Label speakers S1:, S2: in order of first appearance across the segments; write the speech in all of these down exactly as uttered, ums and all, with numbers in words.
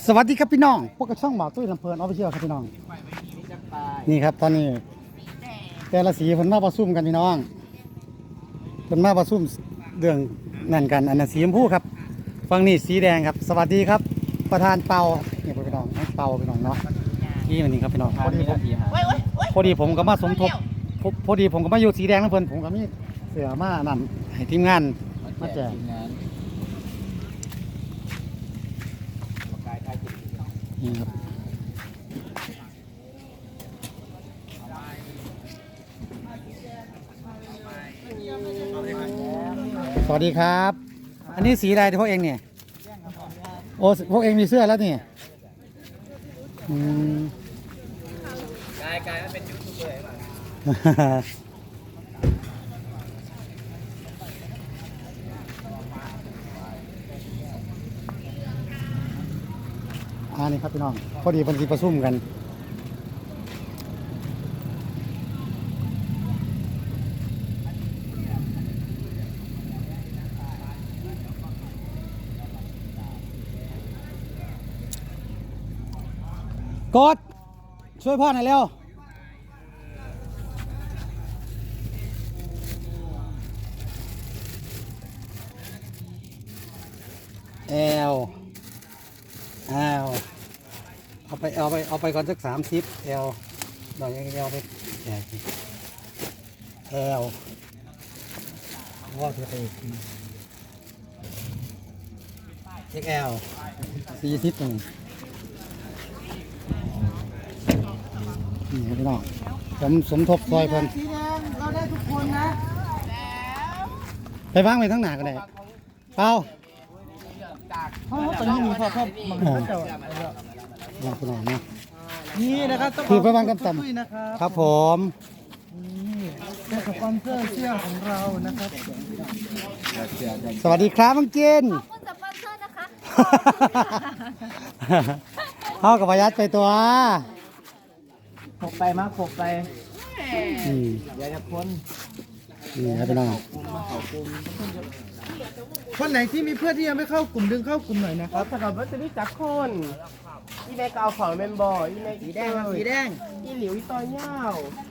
S1: สวัสดีครับพี่น้องพวกกระช่องบ่าวตุ้ยลำเพลินออฟฟิเชียลครับพี่น้องนี่ครับตอนนี้แต่ละสีเพิ่นมาประชุมกันพี่น้องเพิ่นมาประชุมเรื่องนั่นกันอันนั้นสีชมพูครับฝั่งนี้สีแดงครับสวัสดีครับประธานเปานี่พี่น้องเปาพี่น้องเนาะนี่มันนี่ครับพี่น้องพอดีผมพอดีผมก็มาสมทบพอดีผมก็มาอยู่สีแดงแล้วเพิ่นผมก็มีเสือมานั่นให้ทีมงานมาแจกนี่ครับสวัสดีครับอันนี้สีอะไรที่พวกเองเนี่ยโอ้พวกเองมีเสื้อแล้วนี่อืมกายกายเป็นยูทูบเบอร์ป่ะอ่านี่ครับพี่น้องพอดีเพิ่นสิประชุมกันกดช่วยพ่อหน่อยเร็วแอลแอลเอาไปเอาไปเอาไปก่อนสักสามสิบแอลดอกยังแอลไปแจกแอลว่าจะไปเอ็กแอลสี่สิบตรงนี้นี่ครับพี่น้องผมสมทบซอยเพิ่นสีแดงเราได้ทุกคนนะไปวางไว้ทั้งหน้าก็ได้เปล่าเขาตอนนี้มีพ่อพ่อมันก็จะวางขนมนะนี่นะครับคือไปวางกันต่ำครับผมนี่เป็นสปอนเซอร์เสื้อของเรานะครับสวัสดีครับมังกิน
S2: ขอบคุณสปอนเซอร์นะคะ
S1: เขากับพยัดไปตัว
S3: ขบไปมากขบไปอยากจะพ้น
S1: นี่ครับพี่น้อง
S3: คนไหนที่มีเพื่อนที่ยังไม่เข้ากลุ่มดึงเข้ากลุ่มหน่อยนะครับสำหรับวัตถุดิบจากคนอีเมกเอาของเมมบอร์อีเมกสีแดงสีแดงอีหลิวอีตอนยาว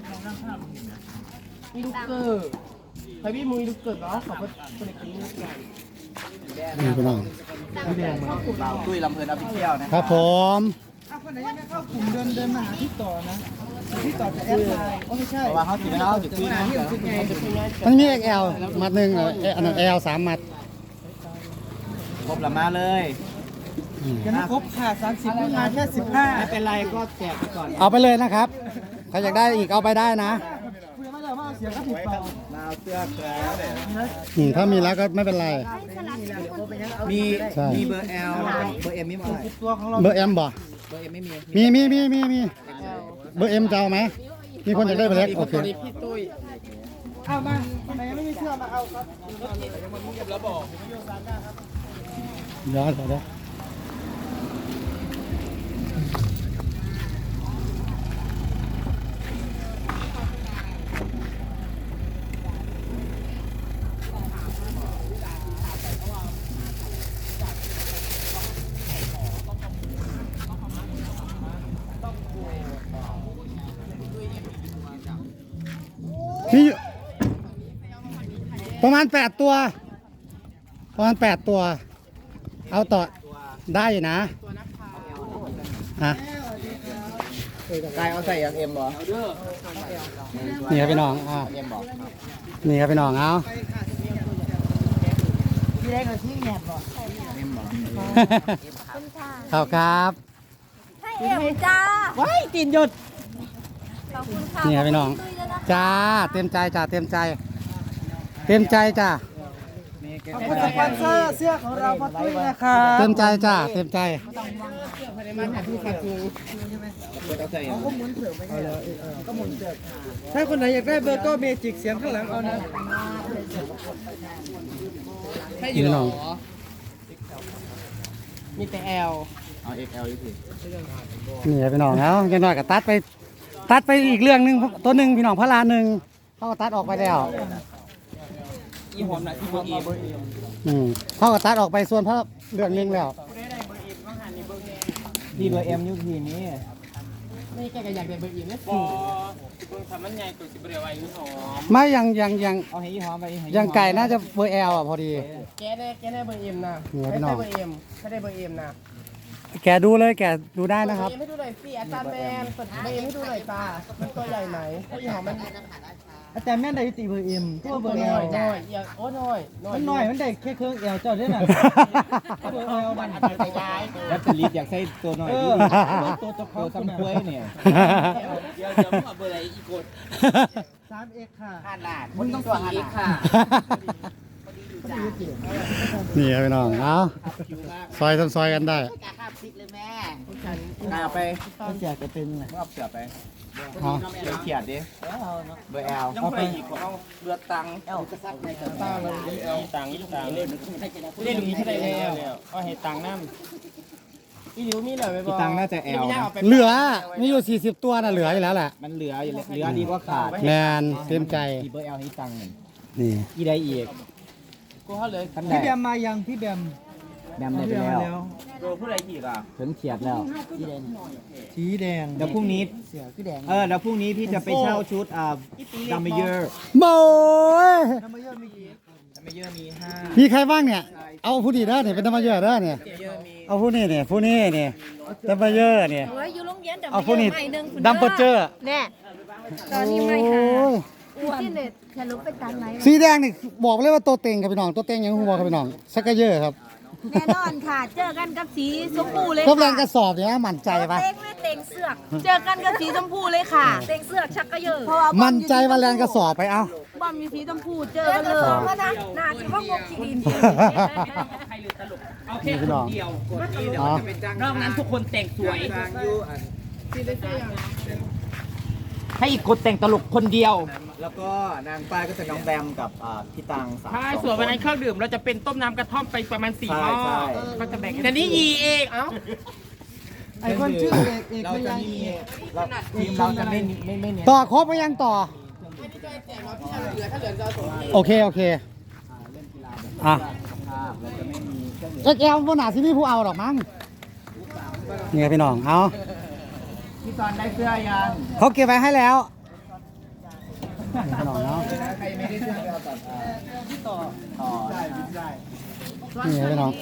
S3: อีลูกเกอร์ใครพี่มูอีลูกเกอร์ก็ขอบคุณคนกินกัน
S1: นี่พี่น้อง
S3: เราตุ้ยลำเพลินออฟฟิเชียลนะครับ
S1: ผม
S3: ถ้าคนไหนยังไม่เข้ากลุ่มเดินเดินมาหาที่ต่อนะที่ต่อจะแอดไลน์โอ้ไม่ใช่เพราะว่าเขาติดแล้วติดคุยนะ
S1: มันมี เอ็ก แอล มัดหนึ่งอันนั้น แอล สามมัด
S3: ครบละมาเลยยังไม่ครบค่ะสามสิบเพิ่งมาแค่สิบห้าไม่เป็นไรก็แจกไปก่อน
S1: เอาไปเลยนะครับใครอยากได้อีกเอาไปได้นะ
S3: เสียก็ผิดเปล่ามาเอาเสื้อแล้ว
S1: เนี่ยถ้ามีแล้วก็ไม่เป็นไร
S3: มีมีเบอร์ L เบอร์ M มีมั้ยตัวของเรา
S1: เบอร์ M บ่
S3: เบอร์ M ไม่มี
S1: มีมีมีมีมีเบอร์ M จะเอาไหมมีคนอยากได้เบอร์เล็กโอเค
S3: พี่ตุ้ยเอามาคนไหนยังไม่มีเสื้อมาเอาครับแล้วบอก
S1: ย้อนไปได้มีประมาณแปดตัวประมาณแปดตัวเอาต่อได้อยู่นะฮะ
S3: กายเอาใส่อย่างเอ็มบอ
S1: นี่ครับพี่น้องอ่านี่ครับพี่น้องเอา
S3: พี่ได้กับที่แงบบ่เอ็มบอ
S1: ขอบครับ
S2: ให้เอวจ้า
S3: ว้ายตีนหยุด
S2: ขอบคุณค่ะ
S1: นี่ครับพี่น้องจ้าเต็มใจจ้าเต็มใจเต็มใจจ้า
S3: ขอบคุณสปอนเซอร์เสื้อของเราพ่อตุ้ยนะครับ
S1: เต็มใจจ้าเต็มใจ
S3: ถ้าคนไหนอยากได้เบอร์ก็เมจิกเสียงข้างหลังเอานะ
S1: ให้อยู่หรอ
S3: มีแต่ L เอา เอ็ก แอล อีกที
S1: นี่พี่น้องแล้วยังน้อยก็ตัดไปตัดไปอีกเรื่องหนึ่งตัวหนึ่งพี่น้องพระลาหนึ่งเขาก็ตัดออกไปแล้วอีหอมนะที่เบอร์เอ็มอืมเขาก็ตัดออกไปส่วนพระเรื่องนึงแล้ว
S3: ดีเบอร์เอ็มยุคทีนี้ไม่แกก็อยากได้เบอร์เอ็มเนี่ยสิเบิ่งทำมันใหญ่ตัวสิบเรียวไอ้ยี่หอม
S1: ไม่ยังยังยัง
S3: เอาให้ยี่หอมไป
S1: ยังไก่น่าจะเบอร์แอลอ่ะพอดี
S3: แกได้แกได้เบอร์เอ็มนะ
S1: เหนือพี่
S3: ไม่
S1: น้อ
S3: ได้
S1: ง
S3: เบอร์เอ็มถ้าได้เบอร์เอ็มนะ
S1: แกดูเลยแกดูได้นะครับ
S3: เบอร์เอ็มให้ดูหน่อยสิอาจารย์แมนเปิดเบอร์เอ็มให้ดูหน่อยจ้ามันตัวใหญ่ไหมถ้ายี่หอมมัน
S4: อาจารย์แม่นได้ตีเบอร์เอ็มตัวเบอร์
S3: ห
S4: เอ
S3: น่
S4: ล
S3: อยหน่อยอย่าโอ้หน่อย
S4: มันหน่อยมันได้แค่เครื่องเอลเจ้าด้วยน่ะเบอร์เอลมัน
S3: ไปย้าย
S4: แล้วจะรีบอยากใช้ตัวหน่อยดิตัวจะตัวจำกล้วยเนี่ย
S3: เดี๋ยวเดี๋ยวมึงเอาเบอร์อะไรอีกกด
S4: สามเอ็กค่ะ
S3: ขนาดมึงต้องสี่อีกค่ะ
S1: นี่ครับพี่น้องเอาซอยทำซอยกันได้
S3: เอาไป
S4: ก็จะจะเป็น
S3: เอาเสือไป
S1: เอา
S3: เดี๋ยวเขียดดิเบอร์แอลยังไปอีกของเรือตังเอลตังเลยตังตังเล่นเล่นอย่างนี้ใช่ไหมแล้วก็ให้ตังน้ำอีหลิวมีเหลือไหมบอ
S4: ตังน่าจะแอล
S1: เหลือมีอยู่สี่สิบตัวน่ะเหลืออยู่แล้วแหละ
S4: มันเหลืออยู่เหลือดีกว่าขาด
S1: แมนเต็มใจ
S4: ตีเบอร์เอลให้ตังหนึ่ง
S1: นี่
S4: อีได้อีก
S3: กูเขาเลย
S4: พี่แบมมายังพี่แบมแบมได้ไปแล้ว
S3: กูผู้ใดอีกอ่ะ
S4: ถึงเฉียดแล้ว
S5: สีแดง
S4: เดี๋ยวพรุ่งนี้เออเดี๋ยวพรุ่งนี้พี่จะไปเช่าชุดอ่าดัมเบลเยอร์
S1: โบย
S4: ดัมเบลเยอร์มีห้า
S1: มีใครบ้างเนี่ย เอาผู้ดีเด้อเนี่ยเป็นธรรมเยอะเด้อเนี่ยเอาผู้นี้เนี่ยผู้นี้เนี่ยธรรมเยอะเนี่ย
S2: เฮ้ยอยู่โรงเรียนแต่
S1: เอาผู้นี้
S2: ไม่หนึ่งคุณ
S1: ดัมเบลเจอร์
S2: แน่ตอนนี้ไม่หาอ้วนที่เน็ตทะลุไปตันไหน
S1: สีแดงนี่บอกเลยว่าตัวเต็งครับพี่น้องตัวเต็งยังหัวครับพี่น้องสักกะเยอะครับ
S2: แน่นอนค่ะ เจอกันกับสีชมพูเลย
S1: ก็
S2: ค่ะ
S1: แรงกระสอบเนี่ยมั่นใจปะ
S2: เต็งไม่เต็งเสือก เจอกันกับสีชมพูเลยค่ะ เต็งเสือกชักกระเยอะเพราะว่า
S1: มั่นใจว่าแรงกระสอบไปเอา
S2: บอมมีสีชมพูเจอกันเลยว่านะหน้าที่ว่างกขีดิน
S3: เอาแค่คนเดียวคนเดียวน อกนั้นทุกคนแต่งสวยให้อีกคนแต่งตลกคนเดียว
S4: แล้วก็นางป้ายก็จะน้องแบมกับอ่าพี่ตังสาม
S3: ใช่ส่วนวันนั้นเครื่องดื่มเราจะเป็นต้มน้ำกระท่อมไปประมาณสี่หม้อ
S4: ใช่
S3: ก็จะแบ่งแต่นี่ยีเองเอ้า
S5: ไอคนชื่อเอกเอก
S4: เรา
S5: ไม่
S4: จะ
S5: ยัง
S4: ไม่มีเราทีมเราจะไม่ไม่ไม่เน้น
S1: ต่อครบไปยังต่อ โอเค โอเค อ่ะ
S4: ภาพเราจะไม่มีเครื่องดื่ม
S1: เอ็กแอลบนหนาที่พี่ผู้เอาดอกมั้งนี่ครับพี่น้อง เอา
S4: พี่ตอนได้เสื้อยัง
S1: เขาเก็บไว้ให้แล้วนี่พี่น้องเนาะ
S4: ใครไม่ได้เสื้อไปเอาต่อต่อต่อได้ได้
S1: นี่ครับพี่น้อง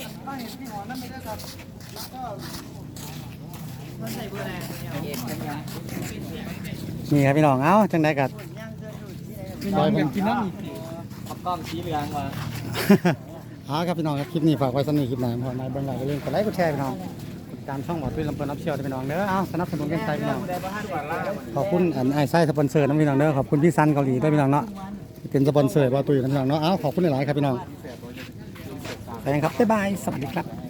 S1: นี่ครับพี่น้อง เอาจังได้กัด
S5: น้องอยากกินน้ำอีก
S4: เอากล้องสีเหลืองมา
S1: เอาครับพี่น้องครับคลิปนี้ฝากไว้สำหรับคลิปหน้าพอมาเบิ่งหลายก็เรื่องกดไลค์กดแชร์พี่น้องกดติดตามช่องหมอตุ้ยลำเพลินรับเชียวพี่น้องเด้อเอาสนับสนุนกันใจพี่น้องขอบคุณอันไอไส้สปอนเซอร์นะพี่น้องเด้อขอบคุณพี่ซันเกาหลีด้วยพี่น้องเนาะเป็นสปอนเซอร์หมอตุ้ยนะพี่น้องเนาะเอาขอบคุณหลายๆครับพี่น้องไปกันครับบ๊ายบายสวัสดีครับ